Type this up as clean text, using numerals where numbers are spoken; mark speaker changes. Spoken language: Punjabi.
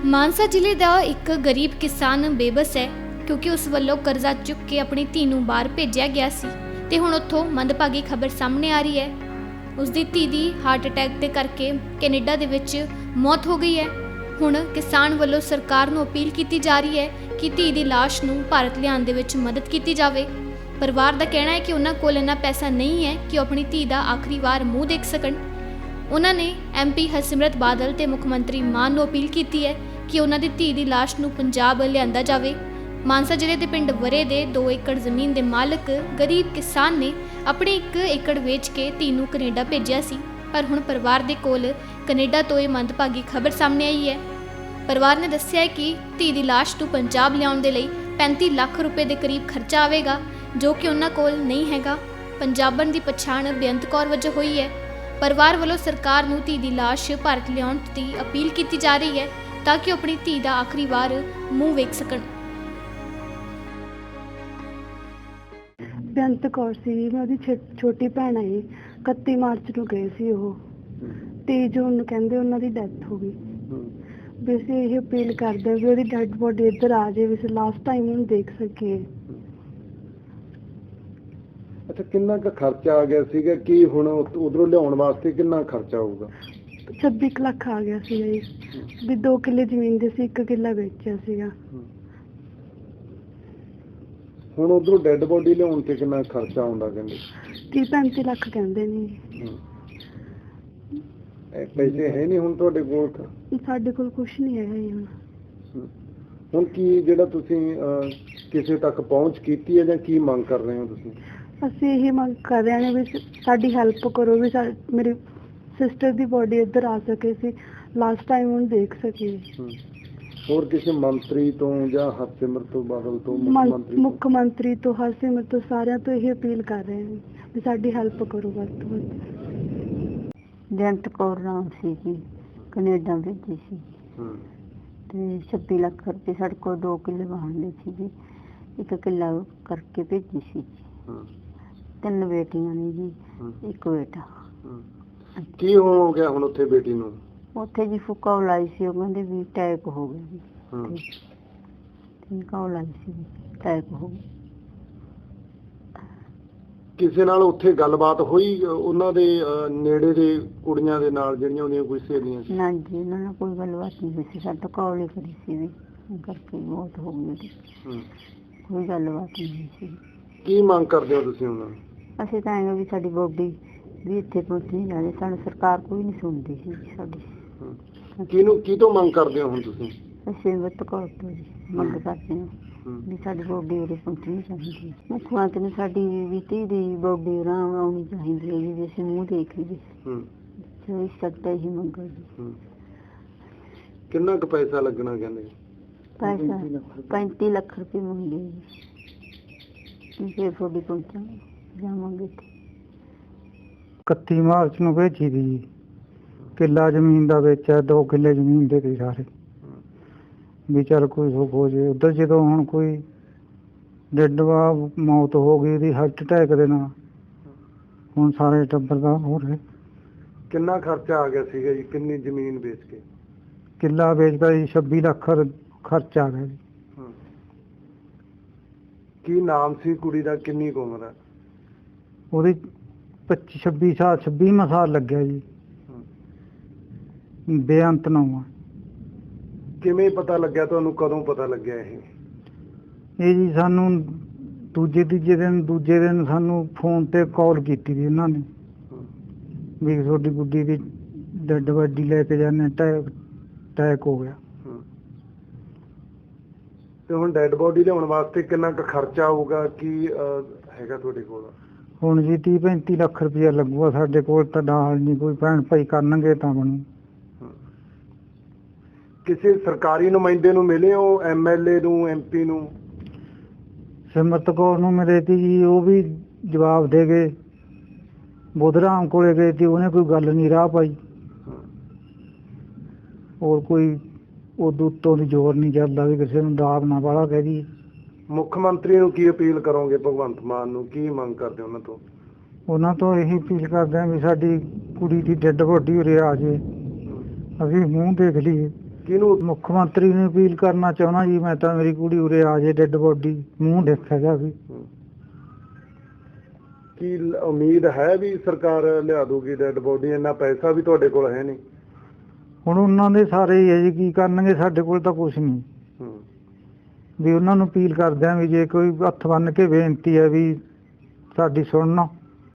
Speaker 1: ਮਾਨਸਾ ਜ਼ਿਲ੍ਹੇ ਦਾ ਇੱਕ ਗਰੀਬ ਕਿਸਾਨ ਬੇਬਸ ਹੈ ਕਿਉਂਕਿ ਉਸ ਵੱਲੋਂ ਕਰਜ਼ਾ ਚੁੱਕ ਕੇ ਆਪਣੀ ਧੀ ਨੂੰ ਬਾਹਰ ਭੇਜਿਆ ਗਿਆ ਸੀ ਤੇ ਹੁਣ ਉੱਥੋਂ ਮੰਦਭਾਗੀ ਖਬਰ ਸਾਹਮਣੇ ਆ ਰਹੀ ਹੈ। ਉਸ ਦੀ ਧੀ ਦੀ ਹਾਰਟ ਅਟੈਕ ਦੇ ਕਰਕੇ ਕੈਨੇਡਾ ਦੇ ਵਿੱਚ ਮੌਤ ਹੋ ਗਈ ਹੈ। ਹੁਣ ਕਿਸਾਨ ਵੱਲੋਂ ਸਰਕਾਰ ਨੂੰ ਅਪੀਲ ਕੀਤੀ ਜਾ ਰਹੀ ਹੈ ਕਿ ਧੀ ਦੀ ਲਾਸ਼ ਨੂੰ ਭਾਰਤ ਲਿਆਉਣ ਦੇ ਵਿੱਚ ਮਦਦ ਕੀਤੀ ਜਾਵੇ। ਪਰਿਵਾਰ ਦਾ ਕਹਿਣਾ ਹੈ ਕਿ ਉਹਨਾਂ ਕੋਲ ਇੰਨਾ ਪੈਸਾ ਨਹੀਂ ਹੈ ਕਿ ਉਹ ਆਪਣੀ ਧੀ ਦਾ ਆਖਰੀ ਵਾਰ ਮੂੰਹ ਦੇਖ ਸਕਣ। ਉਹਨਾਂ ਨੇ MP ਹਰਸਿਮਰਤ ਬਾਦਲ ਤੇ ਮੁੱਖ ਮੰਤਰੀ ਮਾਨ ਨੂੰ ਅਪੀਲ ਕੀਤੀ ਹੈ ਕਿ ਉਹਨਾਂ ਦੀ ਧੀ ਦੀ ਲਾਸ਼ ਨੂੰ ਪੰਜਾਬ ਲਿਆਂਦਾ ਜਾਵੇ। ਮਾਨਸਾ ਜ਼ਿਲ੍ਹੇ ਦੇ ਪਿੰਡ ਵਰੇ ਦੇ 2 ਏਕੜ ਜ਼ਮੀਨ ਦੇ ਮਾਲਕ ਗਰੀਬ ਕਿਸਾਨ ਨੇ ਆਪਣੇ 1 ਏਕੜ ਵੇਚ ਕੇ ਧੀ ਨੂੰ ਕੈਨੇਡਾ ਭੇਜਿਆ ਸੀ, ਪਰ ਹੁਣ ਪਰਿਵਾਰ ਦੇ ਕੋਲ ਕੈਨੇਡਾ ਤੋਂ ਇਹ ਮੰਦਭਾਗੀ ਖਬਰ ਸਾਹਮਣੇ ਆਈ ਹੈ। ਪਰਿਵਾਰ ਨੇ ਦੱਸਿਆ ਹੈ ਕਿ ਧੀ ਦੀ ਲਾਸ਼ ਨੂੰ ਪੰਜਾਬ ਲਿਆਉਣ ਦੇ ਲਈ 35 ਲੱਖ ਰੁਪਏ ਦੇ ਕਰੀਬ ਖਰਚਾ ਆਵੇਗਾ, ਜੋ ਕਿ ਉਹਨਾਂ ਕੋਲ ਨਹੀਂ ਹੈਗਾ। ਪੰਜਾਬਣ ਦੀ ਪਛਾਣ ਬੇਅੰਤ ਕੌਰ ਵਜੋਂ ਹੋਈ ਹੈ। ਪਰਿਵਾਰ ਵੱਲੋਂ ਸਰਕਾਰ ਨੂੰ ਧੀ ਦੀ ਲਾਸ਼ ਭਾਰਤ ਲਿਆਉਣ ਦੀ ਅਪੀਲ ਕੀਤੀ ਜਾ ਰਹੀ ਹੈ ਤਾਂ ਕਿ ਉਹ ਆਪਣੀ ਧੀ ਦਾ ਆਖਰੀ ਵਾਰ ਮੂੰਹ ਵੇਖ ਸਕਣ।
Speaker 2: ਬੇਅੰਤ ਕੌਰ ਸੀ, ਮੈਂ ਉਹਦੀ ਛੋਟੀ ਭੈਣ ਆਈ। 31 ਮਾਰਚ ਨੂੰ ਗਏ ਸੀ ਉਹ, 23 ਜੂਨ ਨੂੰ ਕਹਿੰਦੇ ਉਹਨਾਂ ਦੀ ਡੈਥ ਹੋ ਗਈ। ਵੀ ਅਸੀਂ ਇਹ ਅਪੀਲ ਕਰਦੇ ਵੀ ਉਹਦੀ ਡੈਡ ਬੋਡੀ ਇੱਧਰ ਆ ਜਾਏ, ਵੀ ਅਸੀਂ ਲਾਸਟ ਟਾਈਮ ਉਹਨੂੰ ਦੇਖ ਸਕੀਏ।
Speaker 3: ਅੱਛਾ, ਕਿੰਨਾ ਕੁ ਖਰਚਾ ਆ ਗਿਆ ਸੀਗਾ? ਕੀ ਹੁਣ ਉਧਰੋਂ ਲਿਆਉਣ ਵਾਸਤੇ ਕਿੰਨਾ ਖਰਚਾ ਆਊਗਾ?
Speaker 2: 26 ਲੱਖ ਆ ਗਿਆ ਸੀ ਜੀ। ਵੀ 2 ਕਿੱਲੇ ਜ਼ਮੀਨ ਦੇ ਸੀ, 1 ਕਿੱਲਾ ਵੇਚਿਆ ਸੀਗਾ।
Speaker 3: ਹੁਣ ਉਧਰੋਂ ਡੈਡ ਬੋਡੀ ਲਿਆਉਣ ਤੇ ਕਿੰਨਾ ਖਰਚਾ ਆਉਂਦਾ? ਕਹਿੰਦੇ
Speaker 2: 30-35 ਲੱਖ ਕਹਿੰਦੇ ਨੇ।
Speaker 3: ਪੈਸੇ ਹੈ ਨਹੀਂ ਹੁਣ ਤੁਹਾਡੇ ਕੋਲ?
Speaker 2: ਸਾਡੇ ਕੋਲ ਕੁਝ ਨਹੀਂ ਹੈ ਜੀ
Speaker 3: ਹੁਣ ਕੀ ਜਿਹੜਾ ਤੁਸੀਂ ਕਿਸੇ ਤੱਕ ਪਹੁੰਚ ਕੀਤੀ ਹੈ ਜਾਂ ਕੀ ਮੰਗ ਕਰ ਰਹੇ ਹੋ ਤੁਸੀਂ?
Speaker 2: ਅਸੀਂ ਇਹ ਮੰਗ ਕਰ ਰਹੇ ਹਾਂ ਵੀ ਸਾਡੀ ਹੈਲਪ ਕਰੋ, ਵੀ ਮੇਰੀ ਸਿਸਟਰ ਦੀ ਬੋਡੀ ਇੱਧਰ ਆ ਸਕੇ, ਸੀ ਲਾਸਟ ਟਾਈਮ ਉਹਨੂੰ ਦੇਖ ਸਕੀਏ।
Speaker 3: ਹੋਰ ਕਿਸੇ ਮੰਤਰੀ ਤੋਂ ਜਾਂ ਹਰਸਿਮਰਤ ਬਾਦਲ ਤੋਂ,
Speaker 2: ਮੁੱਖ ਮੰਤਰੀ ਤੋਂ, ਹਰਸਿਮਰਤ ਤੋਂ, ਸਾਰਿਆਂ ਤੋਂ ਇਹ ਅਪੀਲ ਕਰ ਰਹੇ ਹਾਂ ਵੀ ਸਾਡੀ ਹੈਲਪ ਕਰੋ ਵੱਧ ਤੋਂ ਵੱਧ। ਬੇਅੰਤ ਕੌਰ ਨਾਮ ਸੀ ਜੀ, ਕੈਨੇਡਾ ਭੇਜੀ ਸੀ ਤੇ 26 ਲੱਖ ਰੁਪਏ ਸਾਡੇ ਕੋਲ 2 ਕਿੱਲੇ ਵਾਹਣ ਸੀ ਜੀ, 1 ਕਿੱਲਾ ਕਰਕੇ ਭੇਜੀ ਸੀ ਜੀ। 3 ਬੇਟੀਆਂ ਨੇ ਜੀ, 1 ਬੇਟਾ।
Speaker 3: ਕੀ ਹੋ ਗਿਆ ਹੁਣ ਉੱਥੇ ਬੇਟੀ ਨੂੰ?
Speaker 2: ਉੱਥੇ ਜੀ ਫੁੱਕਾ ਲਾਈ ਸੀ, ਉਹ ਕਹਿੰਦੇ ਵੀ ਅਟੈਕ ਹੋ ਗਿਆ ਜੀ। ਠੀਕ ਆ, ਲਾਈ ਸੀ ਅਟੈਕ ਹੋ ਗਿਆ।
Speaker 3: ਕਿਸੇ ਨਾਲ ਉੱਥੇ ਗੱਲਬਾਤ ਹੋਈ ਉਹਨਾਂ ਦੇ ਨੇੜੇ ਦੇ ਕੁੜੀਆਂ ਦੇ ਨਾਲ ਜਿਹੜੀਆਂ ਉਹਦੀਆਂ ਕੋਈ ਸਹੇਲੀਆਂ ਸੀ?
Speaker 2: ਨਾ ਜੀ, ਉਹਨਾਂ ਨਾਲ ਕੋਈ ਗੱਲਬਾਤ ਨਹੀਂ ਹੋਈ ਸੀ। ਸਾਡਾ ਕਾਲ ਹੀ ਕਰੀ ਸੀ ਵੀ ਕਰਕੇ ਮੌਤ ਹੋ ਗਈ ਉਹਦੀ। ਕੋਈ ਗੱਲਬਾਤ ਨਹੀਂ ਹੋਈ ਸੀ। ਕੀ
Speaker 3: ਮੰਗ ਕਰਦੇ ਹੋ ਤੁਸੀਂ ਉਹਨਾਂ ਨੂੰ?
Speaker 2: ਅਸੀਂ ਤਾਂ ਐਂ ਵੀ ਸਾਡੀ ਬੋਡੀ ਵੀ ਇੱਥੇ ਪਹੁੰਚੀ ਜਾਵੇ, ਸਾਨੂੰ ਸਰਕਾਰ ਕੋਈ ਨਹੀਂ ਸੁਣਦੀ ਸੀ ਸਾਡੀ।
Speaker 3: ਕੀ ਤੋਂ ਮੰਗ ਕਰਦੇ ਹੋ ਹੁਣ ਤੁਸੀਂ?
Speaker 2: ਅਸੀਂ ਬੇਅੰਤ ਕੌਰ ਤੋਂ ਜੀ ਮੰਗ ਕਰਦੇ ਹਾਂ ਵੀ ਸਾਡੀ ਬੋਡੀ ਉਰੇ ਪਹੁੰਚਣੀ ਚਾਹੀਦੀ। ਮੁੱਖ ਮੰਤਰੀ ਨੂੰ ਸਾਡੀ ਵੀ ਧੀ ਦੀ ਬੋਡੀ ਆਰਾਮ ਆਉਣੀ ਚਾਹੀਦੀ ਹੈ ਜੀ, ਵੀ ਅਸੀਂ ਮੂੰਹ ਦੇਖ ਲਈਏ। ਇਸ ਸਕਦਾ ਹੀ ਮੰਗ ਜੀ।
Speaker 3: ਕਿੰਨਾ ਕੁ ਪੈਸਾ ਲੱਗਣਾ ਕਹਿੰਦੇ?
Speaker 2: ਪੈਸਾ 35 ਲੱਖ ਰੁਪਏ ਮੰਗੇ ਜੀ। ਫਿਰ ਤੁਹਾਡੀ ਪਹੁੰਚਾਂਗੇ, ਜਾਵਾਂਗੇ।
Speaker 4: 31 ਮਾਰਚ ਨੂੰ ਭੇਜੀ ਦੀ, ਕਿੱਲਾ ਜ਼ਮੀਨ ਦਾ ਵੇਚਿਆ, 2 ਕਿੱਲੇ ਜ਼ਮੀਨ ਦੇ ਤੇ ਸਾਰੇ ਵੀ ਚੱਲ ਕੋਈ ਹੋ ਜੇ ਉੱਧਰ। ਜਦੋਂ ਹੁਣ ਕੋਈ ਡੈਡ ਮੌਤ ਹੋ ਗਈ ਉਹਦੀ ਹਾਰਟ ਅਟੈਕ ਦੇ ਨਾਲ, ਹੁਣ ਸਾਰੇ ਟੱਬਰ ਦਾ ਹੋ ਰਿਹਾ।
Speaker 3: ਕਿੰਨਾ ਖਰਚਾ ਆ ਗਿਆ ਸੀਗਾ ਜੀ? ਕਿੰਨੀ ਜ਼ਮੀਨ ਵੇਚ ਕੇ?
Speaker 4: ਕਿੱਲਾ ਵੇਚਦਾ ਜੀ, 26 ਲੱਖ ਖਰਚਾ ਆ ਗਿਆ ਜੀ।
Speaker 3: ਕੀ ਨਾਮ ਸੀ ਕੁੜੀ ਦਾ? ਕਿੰਨੀ ਕੁ ਉਮਰ ਹੈ
Speaker 4: ਉਹਦੀ? 26 ਸਾਲ ਲੱਗਿਆ ਜੀ। ਬੇਅੰਤ ਨਾਮ।
Speaker 3: ਕਿਵੇਂ ਪਤਾ ਲੱਗਿਆ ਤੁਹਾਨੂੰ? ਕਦੋਂ ਪਤਾ ਲੱਗਿਆ ਇਹ
Speaker 4: ਜੀ ਸਾਨੂੰ ਦੂਜੇ ਦਿਨ ਸਾਨੂੰ ਫੋਨ ਤੇ ਕਾਲ ਕੀਤੀ ਸੀ ਉਹਨਾਂ ਨੇ ਵੀ ਤੁਹਾਡੀ ਗੁੱਡੀ ਦੀ ਡੈਡ ਬੋਡੀ ਲੈ ਕੇ ਜਾਂਦੇ, ਅਟੈਕ ਹੋ ਗਿਆ।
Speaker 3: ਤੇ ਹੁਣ ਡੈਡ ਬੋਡੀ ਲਿਆਉਣ ਵਾਸਤੇ ਕਿੰਨਾ ਕੁ ਖਰਚਾ ਆਊਗਾ? ਕੀ ਹੈਗਾ ਤੁਹਾਡੇ ਕੋਲ?
Speaker 4: ਹੁਣ ਜੀ 30-35 ਲੱਖ ਰੁਪਇਆ ਲੱਗੂਗਾ। ਸਾਡੇ ਕੋਲ ਤਾਂ ਨਾਲ ਨਹੀਂ, ਕੋਈ ਭੈਣ ਭਾਈ ਕਰਨਗੇ ਤਾਂ ਬਣੂ।
Speaker 3: ਕਿਸੇ ਸਰਕਾਰੀ ਨੁਮਾਇੰਦੇ ਨੂੰ ਮਿਲੇ ਹੋ? MLA ਨੂੰ, MP ਨੂੰ?
Speaker 4: ਸਿਮਰਤ ਕੌਰ ਨੂੰ ਮਿਲੇ ਤੀ ਜੀ, ਉਹ ਵੀ ਜਵਾਬ ਦੇ ਗਏ। ਬੁੱਧਰਾਮ ਕੋਲੇ ਗਏ ਸੀ, ਉਹਨੇ ਕੋਈ ਗੱਲ ਨਹੀਂ ਰਾਹ ਪਾਈ। ਹੋਰ ਕੋਈ ਉਦੋਂ ਉੱਤੋਂ ਦੀ ਜ਼ੋਰ ਨਹੀਂ ਚੱਲਦਾ ਵੀ ਕਿਸੇ ਨੂੰ ਦਾਬ ਨਾ ਵਾਲਾ ਕਹਿ ਦੀ।
Speaker 3: ਮੁੱਖ ਮੰਤਰੀ ਨੂੰ ਕੀ ਅਪੀਲ ਕਰੋਗੇ? ਭਗਵੰਤ ਮਾਨ ਨੂੰ ਕੀ ਮੰਗ ਕਰਦੇ ਉਹਨਾਂ ਤੋਂ?
Speaker 4: ਉਹਨਾਂ ਤੋਂ ਇਹੀ ਅਪੀਲ ਕਰਦੇ ਹਾਂ ਵੀ ਸਾਡੀ ਕੁੜੀ ਦੀ ਡੈਡ ਬੋਡੀ ਉਰੇ ਆ ਜਾਏ, ਅਸੀਂ ਮੂੰਹ ਦੇਖ ਲਈਏ।
Speaker 3: ਕਿਹਨੂੰ?
Speaker 4: ਮੁੱਖ ਮੰਤਰੀ ਨੂੰ ਅਪੀਲ ਕਰਨਾ ਚਾਹੁੰਦਾ ਜੀ ਮੈਂ ਤਾਂ, ਮੇਰੀ ਕੁੜੀ ਉਰੇ ਆ ਜੇ, ਡੈੱਡ ਬੋਡੀ ਮੂੰਹ ਦੇਖਿਆ ਜਾਵੇ।
Speaker 3: ਕੀ ਉਮੀਦ ਹੈ ਵੀ ਸਰਕਾਰ ਲਿਆ ਦੂਗੀ ਡੈਡ ਬੋਡੀ? ਇੰਨਾ ਪੈਸਾ ਵੀ ਤੁਹਾਡੇ ਕੋਲ ਹੈ ਨਹੀਂ।
Speaker 4: ਹੁਣ ਉਹਨਾਂ ਦੇ ਸਾਰੇ ਹੀ ਹੈ ਜੀ, ਕੀ ਕਰਨਗੇ, ਸਾਡੇ ਕੋਲ ਤਾਂ ਕੁਛ ਨਹੀਂ। ਵੀ ਉਹਨਾਂ ਨੂੰ ਅਪੀਲ ਕਰਦੇ ਆ ਵੀ ਜੇ ਕੋਈ ਹੱਥ ਬੰਨ੍ਹ ਕੇ ਬੇਨਤੀ ਹੈ ਵੀ ਸਾਡੀ ਸੁਣਨਾ,